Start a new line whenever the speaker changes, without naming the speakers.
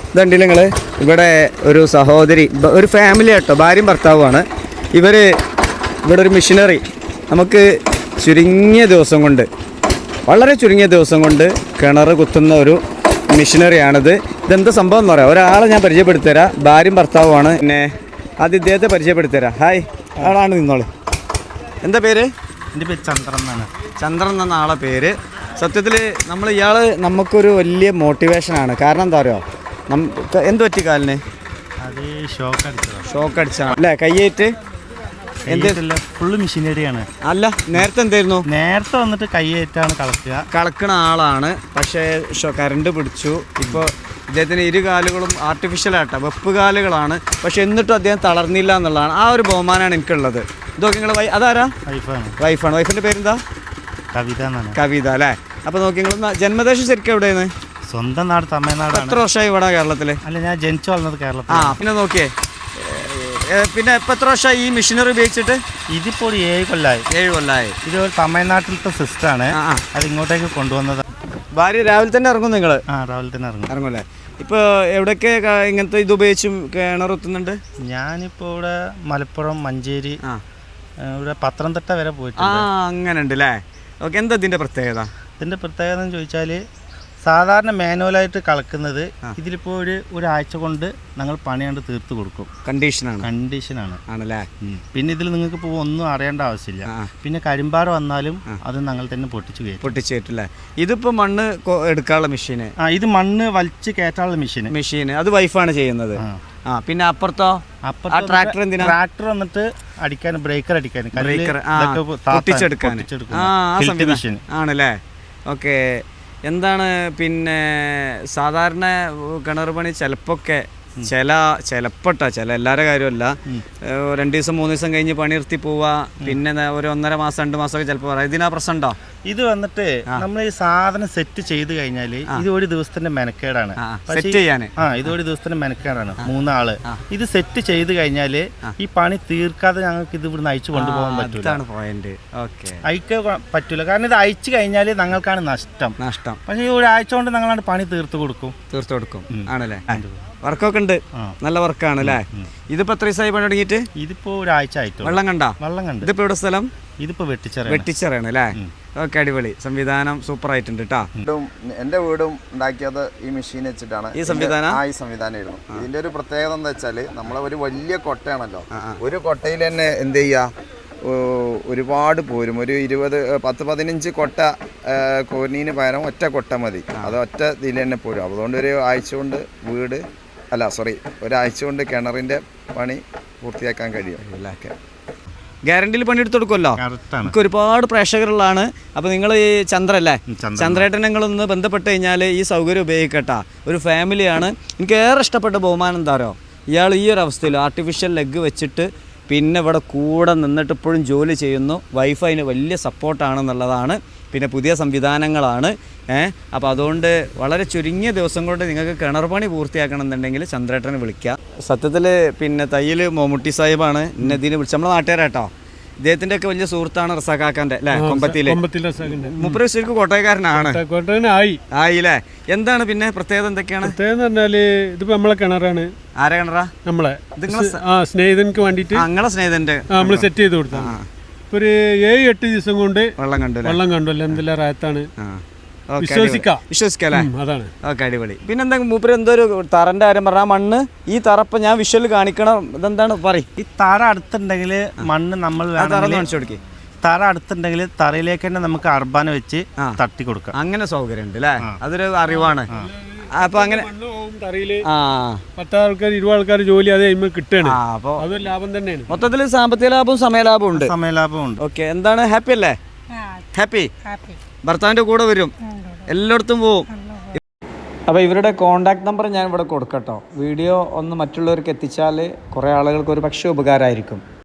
ഇതുണ്ടല്ലോ നിങ്ങൾ ഇവിടെ ഒരു സഹോദരി ഒരു ഫാമിലി ആട്ടോ ഭാര്യയും ഭർത്താവുമാണ് ഇവിടെ ഒരു മിഷനറി നമുക്ക് ചുരുങ്ങിയ ദിവസം കൊണ്ട് വളരെ ചുരുങ്ങിയ ദിവസം കൊണ്ട് കിണർ കുത്തുന്ന ഒരു മിഷനറിയാണിത്. ഇതെന്താ സംഭവം എന്ന് പറയാം. ഒരാളെ ഞാൻ പരിചയപ്പെടുത്തരാം. ഭാര്യയും ഭർത്താവുമാണ്. പിന്നെ അത് ഇദ്ദേഹത്തെ പരിചയപ്പെടുത്തരാം. ഹായ്, ആളാണ് നിന്നോളൂ. എന്താ പേര്?
എൻ്റെ പേര് ചന്ദ്രൻ എന്നാണ്.
ചന്ദ്രൻ എന്ന ആളെ പേര്. സത്യത്തിൽ ഇയാൾ നമുക്കൊരു വലിയ മോട്ടിവേഷനാണ്. കാരണം എന്താ പറയുക, എന്ത് പറ്റി കാലിന്?
അത് ഷോക്ക്
അടിച്ചാണ് അല്ലേ? കയ്യേറ്റ്
എന്തില്ല, ഫുള്ള് മെഷീനറിയാണ്.
അല്ല, നേരത്തെ എന്തായിരുന്നു?
നേരത്തെ വന്നിട്ട് കയ്യേറ്റാണ് കളക്കണ
ആളാണ്. പക്ഷേ കറണ്ട് പിടിച്ചു. ഇപ്പോൾ ഇദ്ദേഹത്തിന് ഇരു കാലുകളും ആർട്ടിഫിഷ്യലായിട്ടാണ്, വെപ്പ് കാലുകളാണ്. പക്ഷെ എന്നിട്ടും അദ്ദേഹം തളർന്നില്ല എന്നുള്ളതാണ്. ആ ഒരു ബഹുമാനമാണ് എനിക്കുള്ളത്. ഇതൊക്കെ നിങ്ങൾ അതാരാ? വൈഫാണ്. വൈഫിൻ്റെ പേരെന്താ?
കവിത എന്നാണ്.
കവിത അല്ലേ? അപ്പോൾ നോക്കി, നിങ്ങൾ ജന്മദേശം ശരിക്കും എവിടെയാണ്?
സ്വന്തം നാട് തമിഴ്നാട്.
എത്ര വർഷമായി ഇവിടെ കേരളത്തിൽ?
അല്ല, ഞാൻ ജനിച്ചു വളർന്നത് കേരളത്തിൽ.
പിന്നെ നോക്കിയേ, പിന്നെ ഇപ്പം എത്ര വർഷമായി ഈ മെഷീനറി ഉപയോഗിച്ചിട്ട്?
ഇതിപ്പോൾ ഒരു 7 കൊല്ലമായി. ഇത് ഒരു തമിഴ്നാട്ടിലത്തെ സിസ്റ്റമാണ്. അത് ഇങ്ങോട്ടേക്ക് കൊണ്ടുവന്നത്.
ഭാര്യ രാവിലെ തന്നെ ഇറങ്ങും നിങ്ങൾ?
രാവിലെ തന്നെ
ഇറങ്ങുമല്ലേ? ഇപ്പോൾ എവിടെയൊക്കെ ഇങ്ങനത്തെ ഇത് ഉപയോഗിച്ചും കിണറുത്തുന്നുണ്ട്?
ഞാനിപ്പോൾ ഇവിടെ മലപ്പുറം, മഞ്ചേരി, ഇവിടെ പത്തനംതിട്ട വരെ പോയിട്ട്.
അങ്ങനെ ഉണ്ട് അല്ലേ? ഓക്കെ. എന്താ ഇതിൻ്റെ പ്രത്യേകത?
ഇതിൻ്റെ പ്രത്യേകത എന്ന് ചോദിച്ചാൽ, സാധാരണ മാനുവലായിട്ട് കളക്കുന്നത് ഇതിലിപ്പോൾ ഒരാഴ്ച കൊണ്ട് ഞങ്ങൾ പണിയാണ്ട് തീർത്ത് കൊടുക്കും. കണ്ടീഷനാണ്
ആണല്ലേ?
പിന്നെ ഇതിൽ നിങ്ങൾക്ക് ഇപ്പോൾ ഒന്നും അറിയേണ്ട ആവശ്യമില്ല. പിന്നെ കരിമ്പാറ വന്നാലും അത് ഞങ്ങൾ തന്നെ പൊട്ടിച്ചു
കയറ്റില്ലേ? ഇതിപ്പോൾ മണ്ണ് എടുക്കാനുള്ള മെഷീന്?
ഇത് മണ്ണ് വലിച്ച് കയറ്റാനുള്ള മെഷീൻ.
അത് വൈഫാണ് ചെയ്യുന്നത്. പിന്നെ അപ്പുറത്തോ? ട്രാക്ടർ എന്തിനാ?
ട്രാക്ടർ വന്നിട്ട് അടിക്കാൻ, ബ്രേക്കർ അടിക്കാൻ,
പൊട്ടിച്ചെടുക്കാൻ ആണല്ലേ? ഓക്കെ. എന്താണ് പിന്നെ സാധാരണ കിണർ പണി ചിലപ്പോഴൊക്കെ ചില എല്ലാവരുടെ കാര്യമല്ല, 2 ദിവസം 3 ദിവസം കഴിഞ്ഞ് പണി നിർത്തി പോവുക, പിന്നെ ഒരു 1.5 മാസം 2 മാസമൊക്കെ ചിലപ്പോൾ പറയാം. ഇതിനാ പ്രശ്നം ഉണ്ടോ?
ഇത് വന്നിട്ട് നമ്മൾ ഈ സാധനം സെറ്റ് ചെയ്ത് കഴിഞ്ഞാൽ ഇത് ഒരു ദിവസത്തിന്റെ മെനക്കേടാണ്. ഇത് ഒരു ദിവസത്തിന്റെ മെനക്കേടാണ്. 3 ആള് ഇത് സെറ്റ് ചെയ്ത് കഴിഞ്ഞാൽ ഈ പണി തീർക്കാതെ ഞങ്ങൾക്ക് ഇത് ഇവിടുന്ന് അയച്ചു കൊണ്ടുപോകാൻ പറ്റില്ല. അയക്കാൻ പറ്റൂല. കാരണം ഇത് അയച്ചു കഴിഞ്ഞാൽ ഞങ്ങൾക്കാണ് നഷ്ടം. പക്ഷേ ഈ ഒരാഴ്ച കൊണ്ട് ഞങ്ങളാണ് പണി തീർത്തു കൊടുക്കും.
ആണല്ലേ? വർക്കൊക്കെ ഉണ്ട്, നല്ല വർക്കാണ് അല്ലേ? ഇതിപ്പോ എത്ര ദിവസമായി പണി തുടങ്ങിയിട്ട്?
ഇതിപ്പോ ഒരാഴ്ച ആയിട്ട്.
വെള്ളം കണ്ട? ഇതിപ്പോ എവിടെ സ്ഥലം?
ഇതിപ്പോ
വെട്ടിച്ചിറയാണ് അല്ലേ? ഓക്കെ, അടിപൊളി സംവിധാനം, സൂപ്പർ ആയിട്ടുണ്ട് കേട്ടോ.
എന്റെ വീടും ഉണ്ടാക്കിയത് ഈ മെഷീൻ വെച്ചിട്ടാണ്.
ഈ സംവിധാനം
ആയിരുന്നു. ഇതിന്റെ ഒരു പ്രത്യേകത എന്താ വെച്ചാല്, നമ്മളെ ഒരു വലിയ കൊട്ടയാണല്ലോ, ഒരു കൊട്ടയിൽ തന്നെ എന്ത് ചെയ്യാ, ഒരുപാട് പോരും. ഒരു 10-15 കൊട്ട കോരിനീന് പകരം ഒറ്റ കൊട്ട മതി. അത് ഒറ്റ ഇതിൽ തന്നെ പോരും. അതുകൊണ്ട് ഒരാഴ്ച കൊണ്ട് ഒരാഴ്ച കൊണ്ട് കിണറിന്റെ പണി പൂർത്തിയാക്കാൻ കഴിയും.
ഗ്യാരണ്ടിയിൽ പണിയെടുത്ത് കൊടുക്കുമല്ലോ. നമുക്ക് ഒരുപാട് പ്രേക്ഷകരുള്ളതാണ്. അപ്പോൾ നിങ്ങൾ ഈ ചന്ദ്രേട്ടൻ നിങ്ങളൊന്ന് ബന്ധപ്പെട്ട് കഴിഞ്ഞാൽ ഈ സൗകര്യം ഉപയോഗിക്കട്ടാ. ഒരു ഫാമിലിയാണ്. എനിക്ക് ഏറെ ഇഷ്ടപ്പെട്ട ബഹുമാനം എന്താ പറയുക, ഇയാൾ ഈ ഒരു അവസ്ഥയിൽ ആർട്ടിഫിഷ്യൽ ലെഗ് വെച്ചിട്ട് പിന്നെ ഇവിടെ കൂടെ നിന്നിട്ട് ഇപ്പോഴും ജോലി ചെയ്യുന്നു. വൈഫ് അതിന് വലിയ സപ്പോർട്ടാണെന്നുള്ളതാണ്. പിന്നെ പുതിയ സംവിധാനങ്ങളാണ്. അപ്പോൾ അതുകൊണ്ട് വളരെ ചുരുങ്ങിയ ദിവസം കൊണ്ട് നിങ്ങൾക്ക് കിണർ പണി പൂർത്തിയാക്കണം എന്നുണ്ടെങ്കിൽ ചന്ദ്രേട്ടനെ വിളിക്കുക. സത്യത്തിൽ പിന്നെ തയ്യൽ മമ്മൂട്ടി സാഹിബാണ് എന്നെ ഇതിന് വിളിച്ചത്. നമ്മളെ നാട്ടുകാരാട്ടോ. ഇദ്ദേഹത്തിൻ്റെ ഒക്കെ വലിയ സുഹൃത്താണ് റസാഖാക്കാൻ്റെ അല്ലേ? കൊമ്പത്തിലെ മുപ്പത് ശരിക്കും കോട്ടയക്കാരനാണ്. ആയില്ലേ? എന്താണ് പിന്നെ പ്രത്യേകത എന്തൊക്കെയാണ്?
ഇതിപ്പോ നമ്മളെ കിണറാണ്.
ആരെ കിണറാ?
നമ്മളെ സ്നേഹിതനക്ക് വേണ്ടിട്ട് ഞങ്ങളെ
സ്നേഹിതന്റെ
നമ്മൾ സെറ്റ് ചെയ്ത് കൊടുത്തു. ഒരു 7-8 ദിവസം കൊണ്ട് വെള്ളം കണ്ടു. എന്തെല്ലാം റായത്താണ്, വിശ്വസിക്കാം. അതാണ്.
ഓക്കെ, അടിപൊളി. പിന്നെന്താ മൂപ്പര് എന്തോ ഒരു തറന്റെ കാര്യം പറഞ്ഞ മണ്ണ്, ഈ തറപ്പ ഞാൻ വിഷ്വൽ കാണിക്കണം. ഇതെന്താണ് പറയും?
ഈ തറ അടുത്തുണ്ടെങ്കിൽ മണ്ണ് നമ്മൾ
കാണിച്ചു കൊടുക്കും.
തറ അടുത്തുണ്ടെങ്കിൽ തറയിലേക്ക് തന്നെ നമുക്ക് അർബാന വെച്ച് തട്ടി കൊടുക്കാം.
അങ്ങനെ സൗകര്യം ഉണ്ട് അല്ലേ? അതൊരു അറിവാണ്. അപ്പൊ അങ്ങനെ
10 ആൾക്കാർ 20 ആൾക്കാർ ജോലി അത് കിട്ടുകയാണ്.
അപ്പൊ
അതൊരു ലാഭം തന്നെയാണ്.
മൊത്തത്തിൽ സാമ്പത്തിക ലാഭവും സമയലാഭവും ഉണ്ട്. ഓക്കെ, എന്താണ് ഹാപ്പി അല്ലേ? ഹാപ്പി. ഭർത്താവിന്റെ കൂടെ വരും, എല്ലായിടത്തും പോവും. അപ്പോൾ ഇവരുടെ കോണ്ടാക്ട് നമ്പർ ഞാൻ ഇവിടെ കൊടുക്കട്ടോ. വീഡിയോ ഒന്ന് മറ്റുള്ളവർക്ക് എത്തിച്ചാൽ കുറേ ആളുകൾക്ക് ഒരു പക്ഷേ ഉപകാരമായിരിക്കും.